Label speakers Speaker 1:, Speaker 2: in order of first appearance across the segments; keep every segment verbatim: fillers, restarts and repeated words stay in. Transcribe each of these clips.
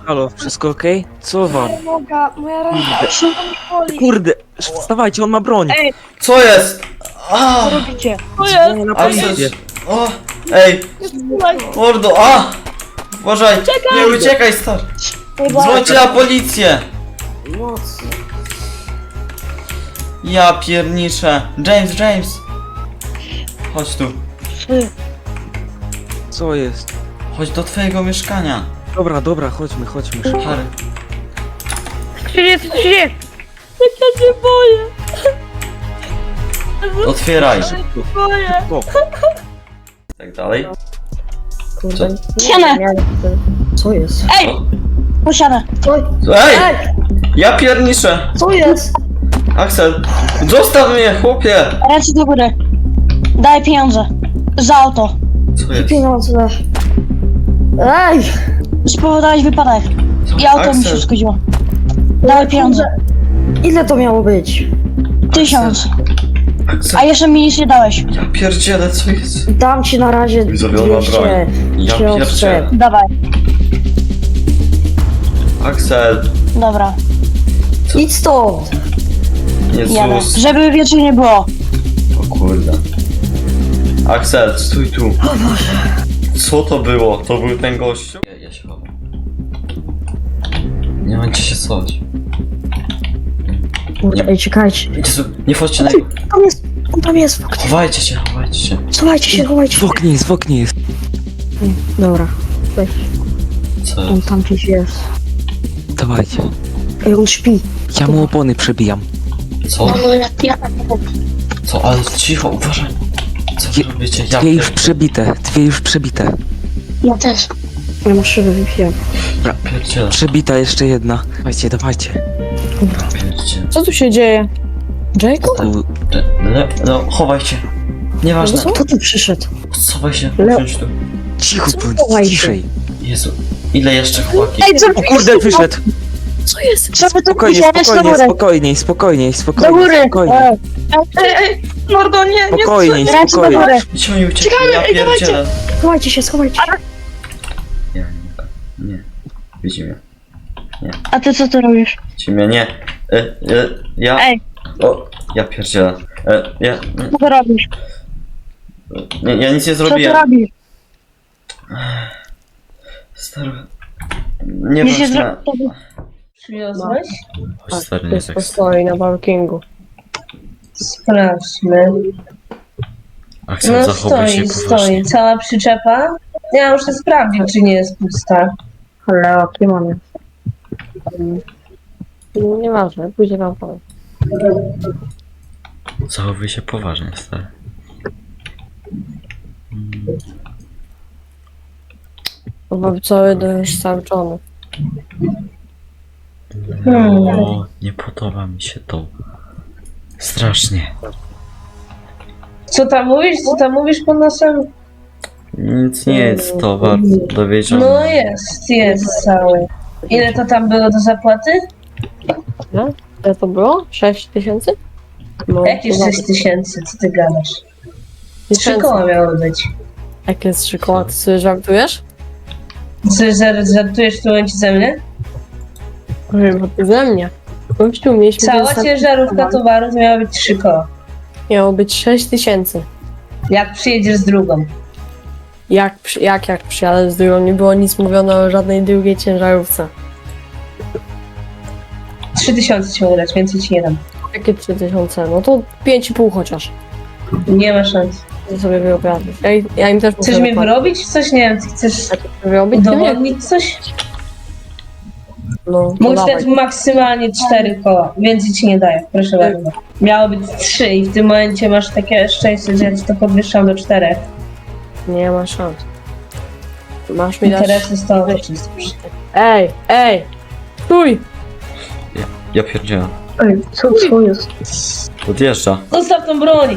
Speaker 1: Halo, wszystko okej? Co wam?
Speaker 2: Moja noga, moja ręka, się boli.
Speaker 1: Kurde, wstawajcie, on ma broń!
Speaker 2: Ej,
Speaker 3: Co jest? A,
Speaker 2: co robicie?
Speaker 1: Dzwonię na
Speaker 3: a
Speaker 1: policję.
Speaker 3: o, ej,
Speaker 2: Słuchaj,
Speaker 3: mordo, a! Uważaj, nie uciekaj stary. Dzwońcie na policję. Ja pierniczę. James, James. Chodź tu.
Speaker 1: Co jest?
Speaker 3: Chodź do twojego mieszkania.
Speaker 1: Dobra, dobra, chodźmy, chodźmy. szybko.
Speaker 3: Harry.
Speaker 2: co się dzieje, co się dzieje? Ja się boję,
Speaker 3: Otwieraj.
Speaker 2: boję.
Speaker 1: O,
Speaker 3: Tak dalej.
Speaker 2: Siana,
Speaker 4: Co jest?
Speaker 2: ej, posiada.
Speaker 3: Ej! Ja pierniczę.
Speaker 4: Co jest?
Speaker 3: Axel, zostaw mnie, chłopie.
Speaker 2: Ręce do góry. Daj pieniądze. Za auto.
Speaker 3: Co jest?
Speaker 4: Pieniądze. Ej!
Speaker 2: Spowodowałeś wypadek. I auto mi się
Speaker 3: Axel,
Speaker 2: zgodziło. Daj pieniądze.
Speaker 4: Ile to miało być?
Speaker 2: Tysiąc.
Speaker 3: Axel,
Speaker 2: A jeszcze mi nic nie dałeś.
Speaker 3: ja pierdzielę, co jest?
Speaker 4: Dam ci na razie
Speaker 3: Widzowie, on ma broń.
Speaker 4: dwieście.
Speaker 3: Ja
Speaker 4: Książce.
Speaker 3: pierdzielę.
Speaker 2: Dawaj.
Speaker 3: Axel,
Speaker 2: Dobra.
Speaker 4: Idź stąd!
Speaker 2: Jadę.
Speaker 3: Jezus.
Speaker 2: Żeby wieczór nie było.
Speaker 3: O kurde. Axel, stój tu. Co to było? To był ten gościu? Ja, ja się chowam. Nie mam gdzie się schować.
Speaker 4: Kurde, ej, czekajcie.
Speaker 3: Jezu, nie wchodźcie na niego.
Speaker 4: Tam jest, on tam jest w oknie.
Speaker 3: Chowajcie się, chowajcie się.
Speaker 4: Schowajcie się, chowajcie
Speaker 1: w
Speaker 4: się.
Speaker 1: oknie jest, w oknie jest.
Speaker 4: Dobra, weź.
Speaker 3: Co
Speaker 4: On
Speaker 3: jest?
Speaker 4: tam gdzieś jest.
Speaker 1: Dawajcie.
Speaker 4: Ej, on śpi.
Speaker 1: Ja mu opony przebijam.
Speaker 3: Co? Co? Ale cicho, uważaj. Co wy robicie? Ja
Speaker 1: Dwie już
Speaker 3: pierdzielę.
Speaker 1: przebite, dwie już przebite.
Speaker 2: Ja też.
Speaker 4: Ja mam szybę wypiłem.
Speaker 3: Ja pierdzielę.
Speaker 1: Przebita jeszcze jedna. Dawajcie, dawajcie.
Speaker 3: Pierdzielę.
Speaker 4: Co tu się dzieje? Jacob?
Speaker 1: Tu,
Speaker 3: Le, no, chowaj się. Nieważne.
Speaker 4: Kto tu przyszedł?
Speaker 3: Schowaj się,
Speaker 4: Le-
Speaker 3: usiądź tu.
Speaker 1: cicho
Speaker 4: Co
Speaker 1: bądź,
Speaker 4: chowaj się?
Speaker 1: ciszej.
Speaker 3: Jezu, ile jeszcze chłopaki?
Speaker 2: Ej, co
Speaker 1: O kurde, wyszedł.
Speaker 4: Co jest?
Speaker 2: Żeby to
Speaker 1: Spokojnie,
Speaker 2: wziąć do
Speaker 1: spokojnie,
Speaker 2: góry.
Speaker 1: spokojnie, spokojnie,
Speaker 2: Do
Speaker 1: spokojnie,
Speaker 2: góry.
Speaker 1: spokojnie,
Speaker 2: Ej, ej, ej, mordo, nie, nie.
Speaker 1: spokojnie,
Speaker 2: Ręce do
Speaker 1: spokojnie.
Speaker 2: góry.
Speaker 3: Gdzie oni uciekli? Ja
Speaker 2: ej, dawajcie.
Speaker 3: pierdzielę.
Speaker 4: Schowajcie się, schowajcie się.
Speaker 3: Nie, nie, nie. Widzi mnie.
Speaker 2: A ty co tu robisz?
Speaker 3: Widzi mnie, nie. E, e, ja...
Speaker 2: Ej,
Speaker 3: O, ja pierdzielę. E, ja...
Speaker 2: co tu robisz?
Speaker 3: Nie, ja nic nie
Speaker 2: Co tu
Speaker 3: zrobiłem.
Speaker 2: robisz?
Speaker 3: Stary... Nie
Speaker 2: Nie się
Speaker 3: ważne.
Speaker 2: zro...
Speaker 5: Przyniosłeś?
Speaker 3: Chodź, stary, nie tak.
Speaker 4: stoi na parkingu.
Speaker 5: Sprawdźmy.
Speaker 3: Axel,
Speaker 5: No
Speaker 3: zachowuj się
Speaker 5: stoi,
Speaker 3: poważnie.
Speaker 5: stoi. Cała przyczepa. Ja muszę sprawdzić, czy nie jest pusta.
Speaker 4: Ale kim on jest? Nieważne, później wam powiem.
Speaker 3: Zachowuj się poważnie, stary.
Speaker 4: Chyba cały dom jest skarczony.
Speaker 5: Hmm.
Speaker 3: O, nie podoba mi się to. Strasznie.
Speaker 5: Co tam mówisz? Co tam mówisz pod nosem?
Speaker 3: Nic nie jest to bardzo dowiedzione.
Speaker 5: No jest, jest cały. Ile to tam było do zapłaty?
Speaker 4: Ile to było? sześć tysięcy? No,
Speaker 5: Jakieś
Speaker 4: chyba
Speaker 5: sześć tysięcy, co ty gadasz? Trzy
Speaker 4: tysięcy.
Speaker 5: koła miało być.
Speaker 4: Jakie jest trzy koła? Ty sobie żartujesz?
Speaker 5: Co, że żartujesz w tym momencie ze mnie?
Speaker 4: Chyba ty ze mnie. Gościu, mieliśmy
Speaker 5: Cała
Speaker 4: dostać-
Speaker 5: ciężarówka towaru to miała być trzy koła.
Speaker 4: Miało być sześć tysięcy.
Speaker 5: Jak przyjedziesz z drugą?
Speaker 4: Jak, przy- jak, jak przyjadę z drugą? Nie było nic mówione o żadnej drugiej ciężarówce.
Speaker 5: Trzy tysiące ci mogę dać, więcej ci nie dam.
Speaker 4: Jakie trzy tysiące? No to pięć i pół chociaż.
Speaker 5: Nie ma szans.
Speaker 4: To sobie wyobrazić. Ja, ja im też muszę
Speaker 5: Chcesz mnie
Speaker 4: zapłacić.
Speaker 5: wyrobić? Coś nie wiem, ty chcesz
Speaker 4: Wyrobić? Ty nie?
Speaker 5: udowodnić coś?
Speaker 4: No, to
Speaker 5: Mógł
Speaker 4: dawaj.
Speaker 5: dać maksymalnie cztery koła, więcej ci nie daję, proszę bardzo. Miało być trzy i w tym momencie masz takie szczęście, że ja ci to podwyższam do czterech.
Speaker 4: Nie ma szans. Masz mi dać...
Speaker 5: Interesy z tobą czysto.
Speaker 4: Ej, ej! Stój!
Speaker 3: Ja pierdzielę.
Speaker 4: Ej, co, co jest?
Speaker 3: Odjeżdża.
Speaker 5: Zostaw tą broń!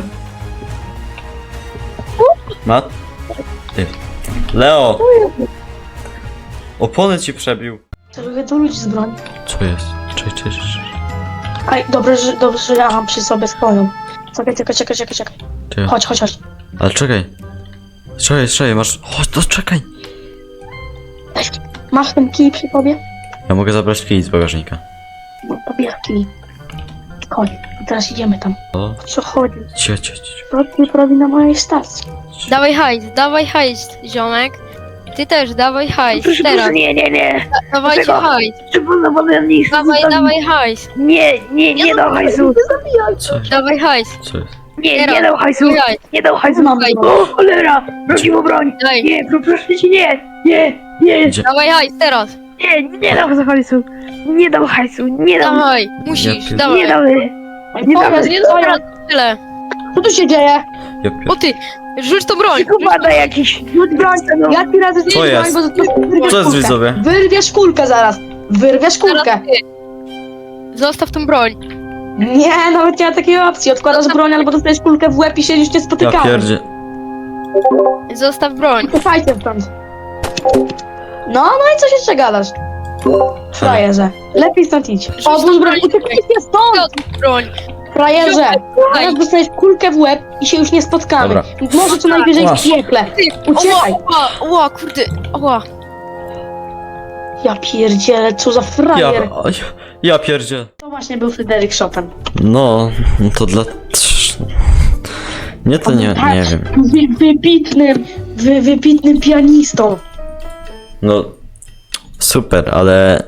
Speaker 3: Mat? Ty. Leo! Opony ci przebił.
Speaker 2: Lubię do ludzi z broni.
Speaker 3: Co jest? Cześć, cześć, cześć.
Speaker 2: Aj, dobrze, że, dobrze, że ja mam przy sobie swoją. Czekaj, czekaj, czekaj, czekaj, czekaj.
Speaker 3: Ty.
Speaker 2: Chodź, chodź, chodź.
Speaker 3: Ale czekaj. Czekaj, czekaj, masz... Chodź, to czekaj.
Speaker 2: Masz ten kij przy sobie?
Speaker 3: Ja mogę zabrać kij z bagażnika.
Speaker 2: Pobierki. Koń. Teraz idziemy tam.
Speaker 3: O,
Speaker 2: Co chodzi?
Speaker 3: cio, cio, cio.
Speaker 2: Co ty robi na mojej stacji?
Speaker 6: Dawaj hajs, dawaj hajs, ziomek. Ty też, dawaj hajs, teraz.
Speaker 7: Nie, nie, nie.
Speaker 6: Da, dawajcie
Speaker 7: Dlaczego?
Speaker 6: hajs.
Speaker 7: Trzeba wolę nic.
Speaker 6: Dawaj, dawaj hajs.
Speaker 7: Nie, nie, nie dał hajsu.
Speaker 3: Co jest?
Speaker 6: Dawaj hajs.
Speaker 3: Co jest?
Speaker 7: Nie,
Speaker 6: Teraz.
Speaker 7: nie dał hajsu.
Speaker 6: Dawaj hajs.
Speaker 7: Nie dał hajsu.
Speaker 6: Dawaj.
Speaker 7: O, cholera. Prosi mu broń.
Speaker 6: Dawaj,
Speaker 7: Nie, pro- proszę cię, nie. Nie, nie,
Speaker 3: Gdzie?
Speaker 6: dawaj hajs, teraz.
Speaker 7: nie, nie dał hajsu. Nie dał hajsu. Nie dał.
Speaker 6: Dawaj, musisz,
Speaker 3: Ja
Speaker 6: dawaj.
Speaker 7: Nie dał.
Speaker 2: Ej,
Speaker 7: Nie
Speaker 2: powiedz,
Speaker 7: dawaj.
Speaker 2: nie
Speaker 6: Teraz
Speaker 2: dawaj.
Speaker 6: tyle.
Speaker 2: Co tu się dzieje?
Speaker 3: Ja
Speaker 6: O
Speaker 3: pier...
Speaker 6: ty, rzuć to broń.
Speaker 7: Kubada jakiś.
Speaker 2: Rzuć broń. Ja ci razy
Speaker 3: Co
Speaker 2: rzuć
Speaker 3: jest?
Speaker 2: broń, bo to wyrwiesz
Speaker 3: Co jest,
Speaker 2: kulkę.
Speaker 3: widzowie?
Speaker 2: Wyrwiesz kulkę zaraz. Wyrwiesz kulkę.
Speaker 6: Teraz ty. Zostaw tą broń.
Speaker 2: Nie, nawet nie ma takiej opcji. Odkładasz broń albo dostajesz kulkę w łeb i siedzisz nie
Speaker 3: Ja
Speaker 2: spotykamy.
Speaker 3: pierdzie...
Speaker 6: Zostaw broń.
Speaker 2: Słuchajcie stąd. No, no i co się jeszcze gadasz? Frajerze. Lepiej stąd idź. Odłóż broń. Uciekajcie stąd!
Speaker 6: Odłóż broń.
Speaker 2: Frajerze. Teraz
Speaker 6: Słuchaj.
Speaker 2: dostaniesz kulkę w łeb i się już nie spotkamy.
Speaker 3: Dobra.
Speaker 2: Może co najwyżej w
Speaker 3: Masz.
Speaker 2: piekle.
Speaker 6: Ty,
Speaker 2: Uciekaj.
Speaker 6: Oła, oła, oła, kurde, oła.
Speaker 2: Ja pierdzielę, co za
Speaker 3: Ja...
Speaker 2: frajer.
Speaker 3: oj, Ja pierdzie...
Speaker 2: To właśnie był Fryderyk Chopin.
Speaker 3: No, no to dla... Nie, to nie, nie wiem.
Speaker 2: Wy, wybitnym, wy, wybitnym pianistą.
Speaker 3: No... Super, ale...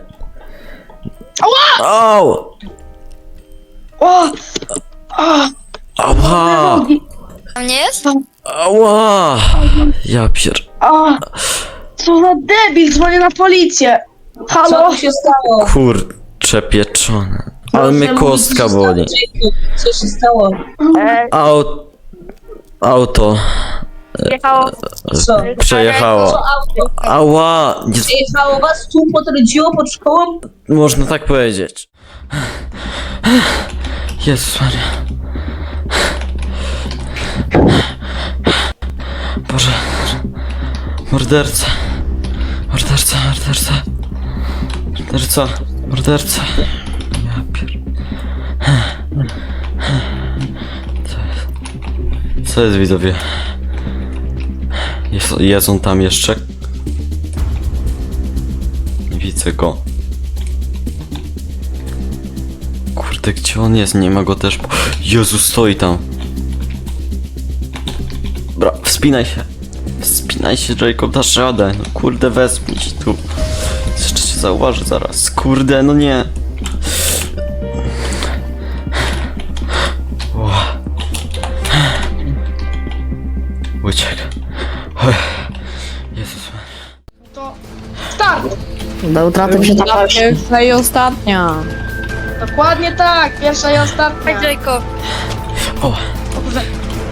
Speaker 3: Au!
Speaker 2: O! O!
Speaker 3: Ała!
Speaker 2: Nogi.
Speaker 6: Tam nie jest?
Speaker 3: Ała! Ja pier...
Speaker 2: O! Co za debil, dzwonię na policję.
Speaker 5: Co
Speaker 2: Halo?
Speaker 5: tu się stało?
Speaker 3: Kurcze pieczone. Ale mnie
Speaker 5: Proszę mówić,
Speaker 3: kostka
Speaker 5: co się
Speaker 3: boli.
Speaker 5: stało, Jacob? Co się stało?
Speaker 3: Aut... Auto...
Speaker 7: Jechało.
Speaker 5: Co?
Speaker 3: Przejechało. Ała! Nie...
Speaker 5: Przyjechało was tu, potrąciło pod szkołą?
Speaker 3: Można tak powiedzieć. Jezus Maria. Boże. Morderca. Morderca, morderca. Morderca, morderca. Ja pier... Co jest? Co jest, widzowie? Jest, jest on tam jeszcze? Nie widzę go. Kurde, gdzie on jest? Nie ma go też. Jezu, stoi tam. Dobra, wspinaj się. Wspinaj się, Jacob, dasz radę. No kurde, wezmij się tu. Jeszcze cię zauważy zaraz. Kurde, no nie. O. Uciekł. Jezus.
Speaker 2: To start!
Speaker 4: Do utraty się ta pierwsza i ostatnia.
Speaker 2: Dokładnie tak, pierwsza i ostatnia.
Speaker 6: Hej, Jacob.
Speaker 3: O.
Speaker 2: O Boże.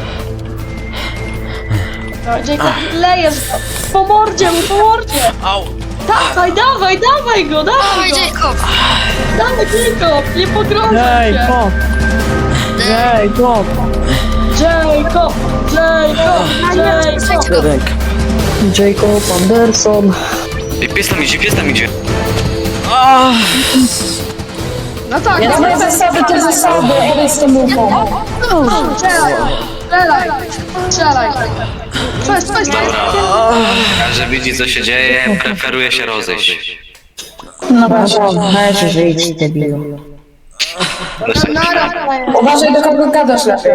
Speaker 2: No, Jacob, lejesz go. Po mordzie mu, po mordzie!
Speaker 3: Au.
Speaker 2: Dawaj, dawaj, dawaj go, dawaj
Speaker 6: Dawaj,
Speaker 2: go!
Speaker 6: Jacob.
Speaker 2: Dawaj, Jacob, nie pogrążaj się!
Speaker 4: Jacob! Jacob!
Speaker 2: Jacob! Jacob! Jacob!
Speaker 3: Rękę.
Speaker 4: Jacob Anderson.
Speaker 8: Ej, pies tam idzie, pies tam idzie.
Speaker 2: No tak,
Speaker 5: Ja
Speaker 2: dawaj,
Speaker 5: znam zasady, te zasady, odejdź z tą ufą.
Speaker 2: strzelaj! Strzelaj! Strzelaj! Co jest, co jest, co jest?
Speaker 8: Każdy widzi co się dzieje, preferuje się rozejść.
Speaker 4: No weź, że idź, debilu.
Speaker 2: Nara!
Speaker 5: Uważaj, do kogo gadasz lepiej.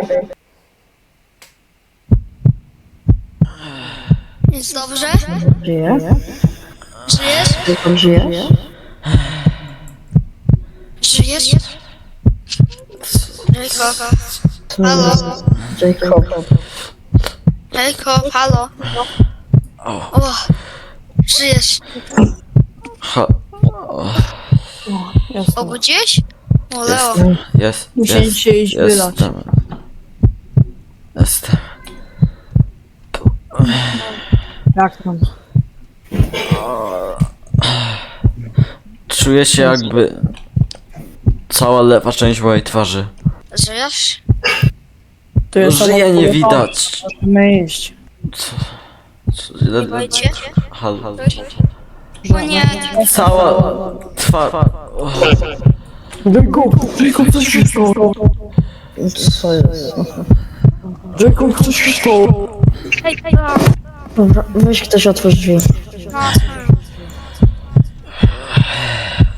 Speaker 6: Jest dobrze?
Speaker 4: Żyjesz?
Speaker 6: Żyjesz?
Speaker 4: Jacob, żyjesz?
Speaker 6: Żyjesz? Jacob. Halo?
Speaker 4: Jacob.
Speaker 6: Jacob, halo? O, żyjesz.
Speaker 3: Ha.
Speaker 6: Obudziłeś? O, Leo.
Speaker 3: Jestem. Jest.
Speaker 4: Muszę
Speaker 3: jest,
Speaker 4: się iść wylać.
Speaker 3: Jestem. Jestem.
Speaker 4: Jak tam?
Speaker 3: Czuję się jakby cała lewa część mojej twarzy.
Speaker 6: Żyjesz?
Speaker 4: Tu jest
Speaker 3: Żyje nie widać.
Speaker 4: Musimy iść.
Speaker 3: Co? Co? Le- le-
Speaker 6: Boicie?
Speaker 3: Hal, hal.
Speaker 6: O nie.
Speaker 3: Cała twarz.
Speaker 4: Jacob! Jacob, coś się stało! Co jest? Jacob, coś się stało!
Speaker 6: Hej, hej, no.
Speaker 4: Dobra, weź ktoś otwórz drzwi.
Speaker 6: No,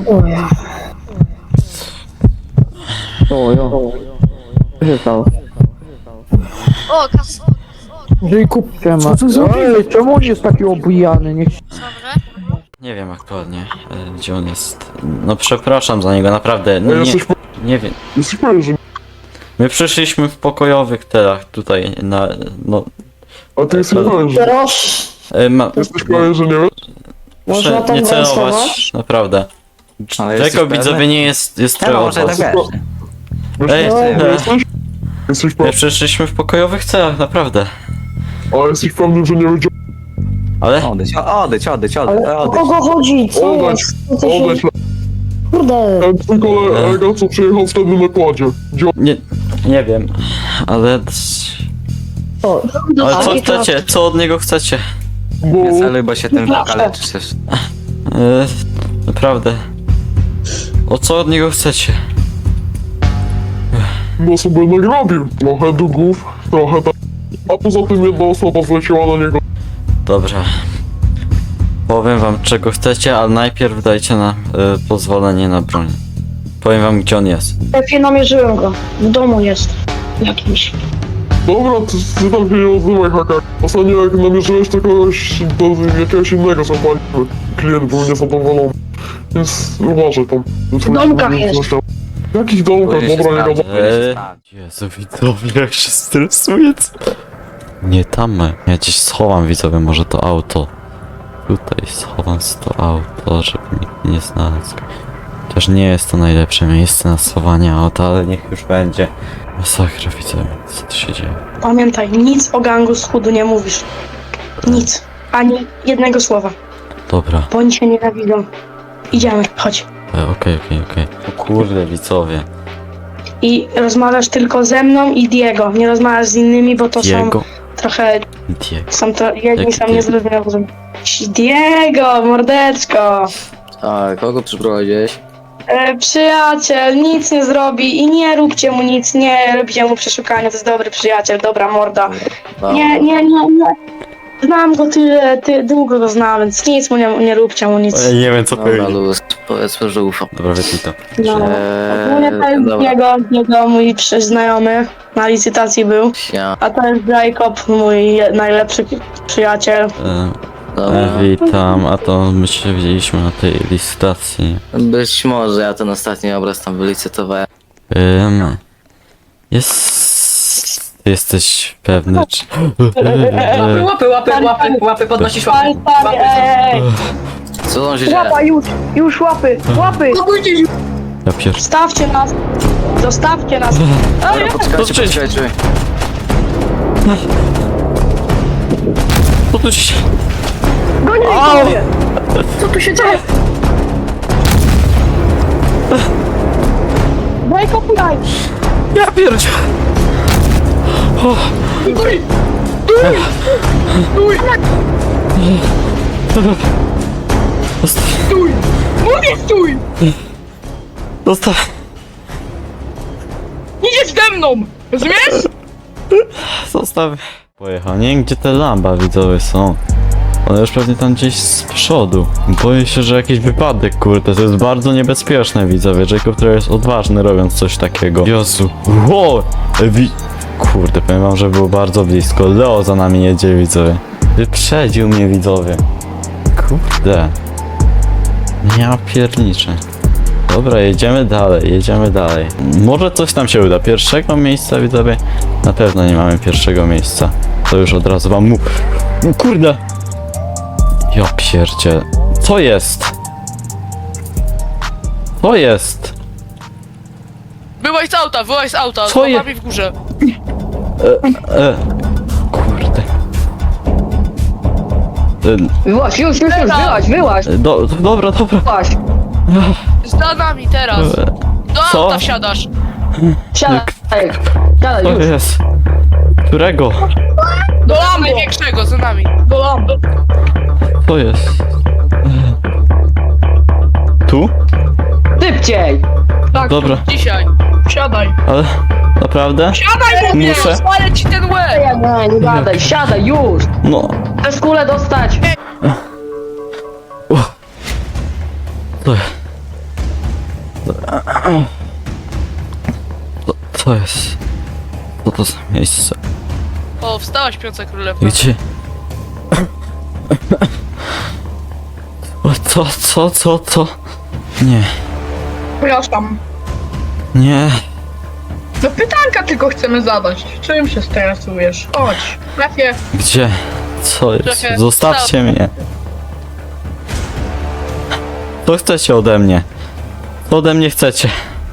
Speaker 4: O, jo. Co się stało?
Speaker 6: O, kas...
Speaker 4: Jacob, co ty zrobiłeś? Ej, czemu on jest taki obujany? Niech się...
Speaker 6: Dobra.
Speaker 3: Nie wiem aktualnie, e, gdzie on jest. No przepraszam za niego, naprawdę. No, nie, nie wiem. My przyszliśmy w pokojowych telach tutaj na... no...
Speaker 9: A ty jesteś pewien, że...
Speaker 2: Teraz
Speaker 3: E, ma,
Speaker 9: Jesteś pewien, że nie wiesz?
Speaker 2: można
Speaker 3: Proszę
Speaker 2: tam
Speaker 3: nie celować,
Speaker 2: głosować?
Speaker 3: naprawdę.
Speaker 1: Ale jesteś
Speaker 3: Tego
Speaker 1: pewny?
Speaker 3: widzowie nie jest, jest
Speaker 1: No
Speaker 3: trochę
Speaker 1: może
Speaker 3: od
Speaker 1: tak
Speaker 3: was.
Speaker 1: wiesz.
Speaker 9: Wiesz,
Speaker 3: Ej,
Speaker 9: nie
Speaker 3: e,
Speaker 9: jesteś? Jesteś
Speaker 3: my
Speaker 9: pewny,
Speaker 3: przyszliśmy w pokojowych celach, naprawdę.
Speaker 9: a jesteś pewny, że nie wiedział...
Speaker 3: Ale...
Speaker 1: Odejdź, o- odejdź, odejdź, odejdź,
Speaker 2: Ale o
Speaker 1: odejdź.
Speaker 2: kogo chodzi? Co
Speaker 9: Odejdź,
Speaker 2: jest? Co się...
Speaker 9: odejdź,
Speaker 2: Kurde.
Speaker 9: ten twój kolega, co przyjechał wtedy na kładzie. Gdzie on...
Speaker 3: Nie, nie wiem, ale...
Speaker 2: O,
Speaker 3: Ale co
Speaker 2: Taki to-
Speaker 3: chcecie? Co od niego chcecie?
Speaker 9: Bo...
Speaker 1: Nie celuj, bo się tym pokaleczysz też.
Speaker 3: E, naprawdę. O co od niego chcecie?
Speaker 9: No sobie nagrobił. Trochę długów, trochę tak. A poza tym jedna osoba zleciła na niego.
Speaker 3: Dobra. Powiem wam czego chcecie, ale najpierw dajcie nam e, pozwolenie na broń. Powiem wam gdzie on jest.
Speaker 2: Lepiej namierzyłem go. W domu jest. Jakimś.
Speaker 9: Dobra, ty, ty tam się nie odzywaj, hakak. Ostatnio jak namierzyłeś to kogoś do jakiegoś innego zapaliły. Klient był niezadowolony. Więc uważaj tam. W
Speaker 2: domkach jest.
Speaker 9: W jakich domkach? Dobra, nie gadam.
Speaker 3: Eee, Jezu widzowie jak się stresuje. co- Nie tam. Ja gdzieś schowam widzowie może to auto. Tutaj schowam to auto, żeby nikt nie znalazł. Też nie jest to najlepsze miejsce na schowanie auta, ale niech już będzie. Masakra widzowie, co tu się dzieje?
Speaker 2: Pamiętaj, nic o gangu z chudu nie mówisz. Nic. Ani jednego słowa.
Speaker 3: Dobra.
Speaker 2: Bo oni się nienawidzą. Idziemy, chodź.
Speaker 3: E, Okej, okej, okej. O kurde widzowie.
Speaker 2: I rozmawiasz tylko ze mną i Diego. Nie rozmawiasz z innymi, bo to
Speaker 3: Diego.
Speaker 2: są trochę...
Speaker 3: Diego.
Speaker 2: Są to... Jedni
Speaker 3: Jaki
Speaker 2: są
Speaker 3: Diego?
Speaker 2: niezrozumiałe. Diego, mordeczko!
Speaker 10: A kogo przyprowadziłeś?
Speaker 2: E, przyjaciel, nic nie zrobi i nie róbcie mu nic, nie róbcie mu przeszukania, to jest dobry przyjaciel, dobra morda.
Speaker 10: No.
Speaker 2: Nie, nie, nie, nie. Znam go tyle, ty, długo go znam, więc nic mu nie, nie róbcie mu nic.
Speaker 3: Ja nie wiem co
Speaker 10: Dobra,
Speaker 3: powiedzieć.
Speaker 10: luz, powiedzmy, że ufam.
Speaker 3: Dobra, wytnij to.
Speaker 2: No. Ogólnie to
Speaker 10: Eee,
Speaker 2: jest
Speaker 10: dobra.
Speaker 2: jego, jego mój przy- znajomy, na licytacji był,
Speaker 10: Ja,
Speaker 2: a to jest Jacob, mój je- najlepszy przyjaciel.
Speaker 3: E,
Speaker 10: dobra.
Speaker 3: e, witam, a to my się widzieliśmy na tej licytacji.
Speaker 10: Być może ja ten ostatni obraz tam wylicytowałem.
Speaker 3: Ym, jest... Jesteś pewny czy... E,
Speaker 11: Łapy, łapy, łapy, łapy, podnosisz łapy.
Speaker 2: Stary, stary, ej,
Speaker 10: Co tam się dzieje?
Speaker 7: Łapa, już, już łapy, łapy!
Speaker 3: Ja pier...
Speaker 2: Stawcie nas, zostawcie nas.
Speaker 10: Dobra, poczekajcie,
Speaker 3: To czyś.
Speaker 10: poczekajcie.
Speaker 3: Co tu się...
Speaker 7: Gonię mnie! Co tu się dzieje?
Speaker 2: Jacob, jaj.
Speaker 3: Ja pierdzie...
Speaker 11: Stój! Mówię stój!
Speaker 3: Zostaw...
Speaker 11: Idziesz ze mną! Rozumiesz?
Speaker 3: Zostaw... Pojechał, nie wiem gdzie te lamba widzowie są. One już pewnie tam gdzieś z przodu. Boję się, że jakiś wypadek, kurde, to jest bardzo niebezpieczne widzowie. Jacob trochę jest odważny robiąc coś takiego. Jezu, wow! Wi... Kurde, powiem wam, że było bardzo blisko. Leo za nami jedzie widzowie. Wyprzedził mnie widzowie. Kurde. Ja pierniczę. Dobra, jedziemy dalej, jedziemy dalej. Może coś nam się uda. Pierwszego miejsca widzowie? Na pewno nie mamy pierwszego miejsca. To już od razu wam mu... Kurde! Ja pierdzie. Co jest? Co jest?
Speaker 11: Wyłaź z auta, wyłaź z auta,
Speaker 3: Co
Speaker 11: z
Speaker 3: je-
Speaker 11: łapami w górze.
Speaker 3: E, e, kurde.
Speaker 7: Wyłaź, już, już, już, wyłaź, wyłaź,
Speaker 3: E, do, dobra, dobra.
Speaker 7: wyłaź.
Speaker 11: Za nami teraz.
Speaker 3: E,
Speaker 11: Do
Speaker 3: Co?
Speaker 11: auta wsiadasz.
Speaker 7: Siadaj, siadaj,
Speaker 3: co
Speaker 7: już.
Speaker 3: jest? Którego?
Speaker 11: Do Lambo. Największego, za nami. Do Lambo.
Speaker 3: Co jest? E, tu?
Speaker 7: Szybciej!
Speaker 11: Tak,
Speaker 3: Dobra.
Speaker 11: dzisiaj. Wsiadaj.
Speaker 3: Ale naprawdę?
Speaker 11: Siadaj, mówię!
Speaker 3: Muszę.
Speaker 11: Spalę ci ten łeb!
Speaker 7: Nie, nie gadaj, siadaj, już!
Speaker 3: No.
Speaker 7: Chcesz kulę dostać!
Speaker 3: Co? Co, co jest? Co to za miejsce?
Speaker 11: O, wstała śpiąca królewna.
Speaker 3: Gdzie? O, co, co, co, co? Nie,
Speaker 4: Przepraszam.
Speaker 3: nie.
Speaker 4: No pytanka tylko chcemy zadać. Czym się stresujesz? Chodź, szefie.
Speaker 3: Gdzie? Co jest?
Speaker 11: Trochę
Speaker 3: Zostawcie
Speaker 11: wstał.
Speaker 3: mnie. Co chcecie ode mnie? Co ode mnie chcecie?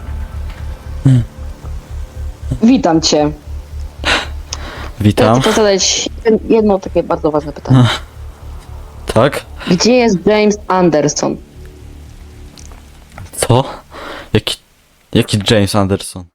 Speaker 12: Witam cię.
Speaker 3: Witam.
Speaker 12: Chcę zadać jedno takie bardzo ważne pytanie.
Speaker 3: Tak?
Speaker 12: Gdzie jest James Anderson?
Speaker 3: Co? Jaki... Jaki James Anderson?